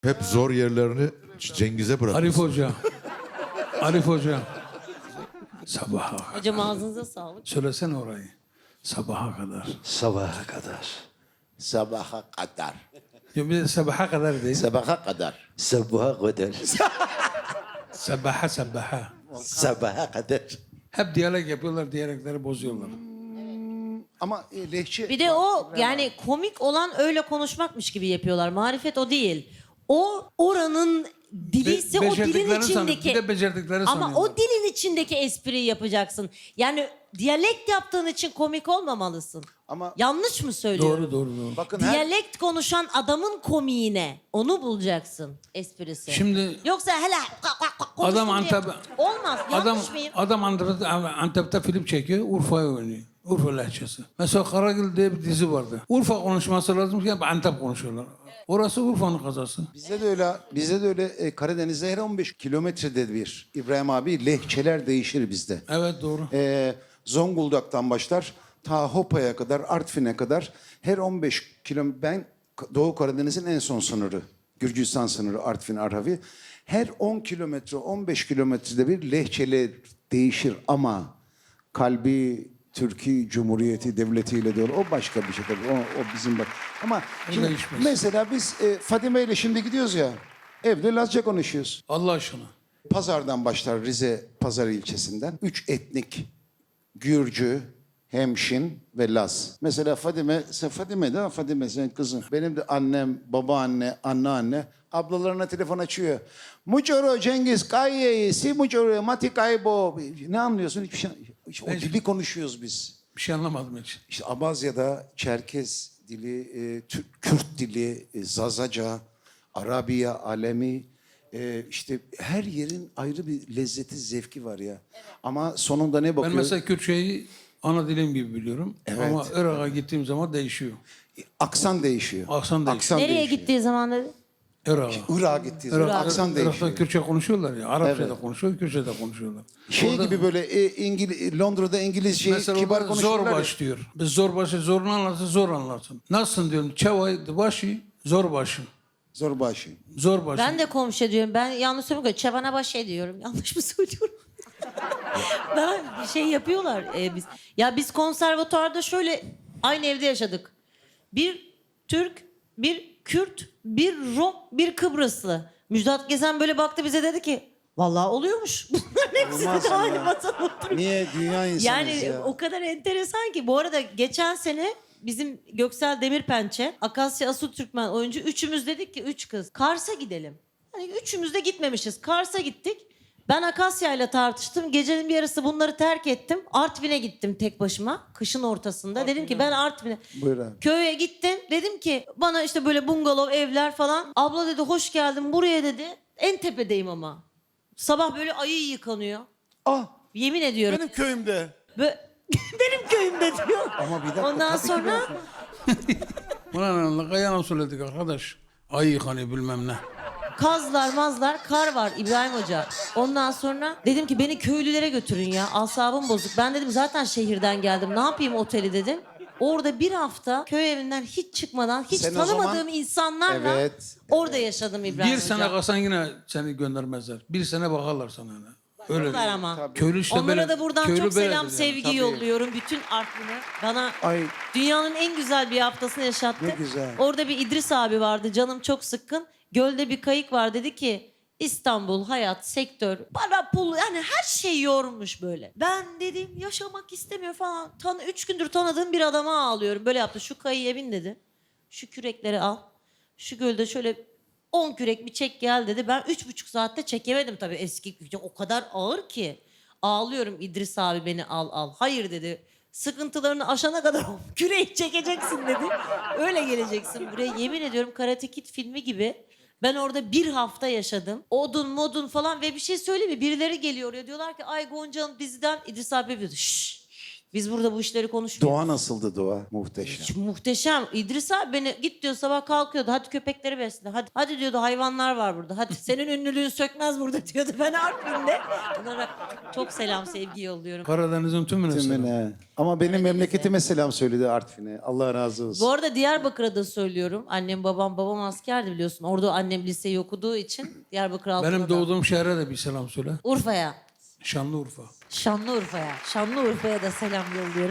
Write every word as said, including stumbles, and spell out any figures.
Hep zor yerlerini Cengiz'e bırak. Arif Hoca. Arif Hoca. Sabaha kadar. Hocam ağzınıza sağlık. Söylesene orayı. Sabaha kadar. Sabaha kadar. Sabaha kadar. Ya bir de sabaha kadar değil. Sabaha kadar. Sabaha kadar. Sabaha sabaha. Sabaha kadar. Hep diyalog yapıyorlar, diyalogları bozuyorlar. Ama e, lehçe... Bir de o yani komik olan öyle konuşmakmış gibi yapıyorlar. Marifet o değil. O oranın dili ise Be- o dilin becerdiklerini sanıyor. içindeki... Bir de becerdikleri Ama sanıyorlar. o dilin içindeki espriyi yapacaksın. Yani diyalekt yaptığın için komik olmamalısın. Ama- Yanlış mı söylüyorum? Doğru doğru doğru. Bakın her... Diyalekt konuşan adamın komiğine onu bulacaksın esprisi. Şimdi Yoksa hele konuştum Adam diye- Antep- olmaz. adam Yanlış mıyım? adam Antep'te, Antep'te film çekiyor, Urfa'ya oynuyor. Urfa lehçesi. Mesela Karagül diye bir dizi vardı. Urfa konuşması lazım ki Antep konuşuyorlar. Orası Urfa'nın kazası. Bizde de öyle, bizde de öyle e, Karadeniz'de her on beş kilometrede bir İbrahim abi lehçeler değişir bizde. Evet doğru. E, Zonguldak'tan başlar ta Hopa'ya kadar, Artvin'e kadar her on beş kilometre, ben Doğu Karadeniz'in en son sınırı, Gürcistan sınırı Artvin, Arhavi. Her on kilometre, on beş kilometrede bir lehçeler değişir ama kalbi Türkiye Cumhuriyeti Devleti'yle de olur. O başka bir şey tabii. O, o bizim bak. Ama şimdi değişmez. mesela biz e, Fadime ile şimdi gidiyoruz ya. Evde Lazca konuşuyoruz. Allah aşkına. Pazardan başlar, Rize Pazar ilçesinden. Üç etnik, Gürcü, Hemşin ve Laz. Mesela Fadime, sen Fadime değil mi? Fadime senin kızın. Benim de annem, babaanne, anneanne ablalarına telefon açıyor. Muçoro Cengiz Kayye'yi, si muçoro mati kaybo. Ne anlıyorsun? Hiçbir şey. İşte o dili konuşuyoruz biz. Bir şey anlamadım hiç. İşte Abazya'da Çerkez dili, e, Türk, Kürt dili, e, Zazaca, Arabiya, Alemi, e, işte her yerin ayrı bir lezzeti, zevki var ya. Ama sonunda ne Ben bakıyor? mesela Kürtçeyi ana dilim gibi biliyorum. Evet. Ama Irak'a gittiğim zaman değişiyor. Aksan değişiyor. Aksan değişiyor. Nereye değişiyor. gittiği zaman dedi? Irak'a. Irak'a gittiği zaman Irak, aksan Irak'ta değişiyor. Kürtçe konuşuyorlar ya. Arapça Evet. da konuşuyor, Kürtçe de konuşuyorlar. Şey Orada- gibi böyle e, İngiliz, Londra'da İngilizceyi Mesela kibar orada konuşuyorlar. zor ya. baş diyor. Biz zor başı zorunu anlatsın, zor anlatsın. Nasılsın diyorum. Çavay başı, zor başı. Zor başı. Zor başı. Ben de komşu diyorum. Ben yanlış söylüyorum. Çabana baş şey diyorum. Yanlış mı söylüyorum? Bana bir şey yapıyorlar e, biz. Ya biz konservatuarda şöyle aynı evde yaşadık. Bir Türk, bir Kürt, bir Rom, bir Kıbrıslı. Müjdat Gezen böyle baktı bize dedi ki vallahi oluyormuş. Bunların hepsi Olmaz de ya. aynı masada oturuyor. Niye dünya insanız Yani ya? o kadar enteresan ki. Bu arada geçen sene bizim Göksel Demirpençe, Akasya Asu Türkmen oyuncu üçümüz dedik ki üç kız Kars'a gidelim. Hani üçümüz de gitmemişiz. Kars'a gittik. Ben Akasya ile tartıştım. Gecenin bir yarısı bunları terk ettim. Artvin'e gittim tek başıma. Kışın ortasında. Dedim ki ben Artvin'e. Buyur abi. Köye gittim. Dedim ki bana işte böyle bungalov evler falan. Abla dedi hoş geldin buraya dedi. En tepedeyim ama. Sabah böyle ayı yıkanıyor. Ah, Yemin ediyorum. Benim köyümde. Bö- Benim köyümde diyor. ama bir dakika. Ondan tabii ki sonra ben- Buna ne kayana söyledik arkadaş. Ay yıkanıyor bilmem ne. kazlar mazlar kar var İbrahim Hoca. Ondan sonra dedim ki beni köylülere götürün ya. Asabım bozuk. Ben dedim zaten şehirden geldim. Ne yapayım oteli dedim. Orada bir hafta köy evinden hiç çıkmadan hiç Sen o tanımadığım zaman- insanlarla Evet, orada yaşadım İbrahim Bir Hoca. sene kalsan yine seni göndermezler. Bir sene bakarlar sana. Öyle. Öyle. Var ama. Köylü işte Onlara böyle- da buradan köylü çok böyledir selam yani. sevgi Tabii. yolluyorum. Bütün Artvin'e. Bana Ay. dünyanın en güzel bir haftasını yaşattı. Ne güzel. Orada bir İdris abi vardı. Canım çok sıkkın. Gölde bir kayık var. Dedi ki İstanbul, hayat, sektör, para, pul yani her şey yormuş böyle. Ben dedim yaşamak istemiyor falan. Tan üç gündür tanıdığım bir adama ağlıyorum. Böyle yaptı. Şu kayıya bin dedi. Şu kürekleri al. Şu gölde şöyle on kürek bir çek gel dedi. Ben üç buçuk saatte çekemedim tabii eski kürek. O kadar ağır ki. Ağlıyorum İdris abi beni al al. Hayır dedi. Sıkıntılarını aşana kadar o küreği çekeceksin dedi. Öyle geleceksin buraya. Yemin ediyorum Karate Kid filmi gibi. Ben orada bir hafta yaşadım. Odun modun falan ve bir şey söyleyeyim mi? Birileri geliyor ya diyorlar ki ay Gonca Hanım diziden İdris abi yapıyordu. Şşş. Biz burada bu işleri konuşmuyoruz. Doğa nasıldı doğa? Muhteşem. Hiç muhteşem. İdris abi beni git diyor sabah kalkıyordu. Hadi köpekleri besle. Hadi, hadi diyordu hayvanlar var burada. Hadi senin ünlülüğün sökmez burada diyordu. Ben Artvin'de. Onlara çok selam sevgi yolluyorum. Karadeniz'in tümüne selam. Tümüne. Ama benim memleketime selam söyledi Artvin'e. Allah razı olsun. Bu arada Diyarbakır'a da söylüyorum. Annem babam babam askerdi biliyorsun. Orada annem liseyi okuduğu için Diyarbakır Altınordu. Benim doğduğum şehre de bir selam söyle. Urfa'ya. Şanlıurfa. Şanlıurfa'ya. Şanlıurfa'ya da selam yolluyorum.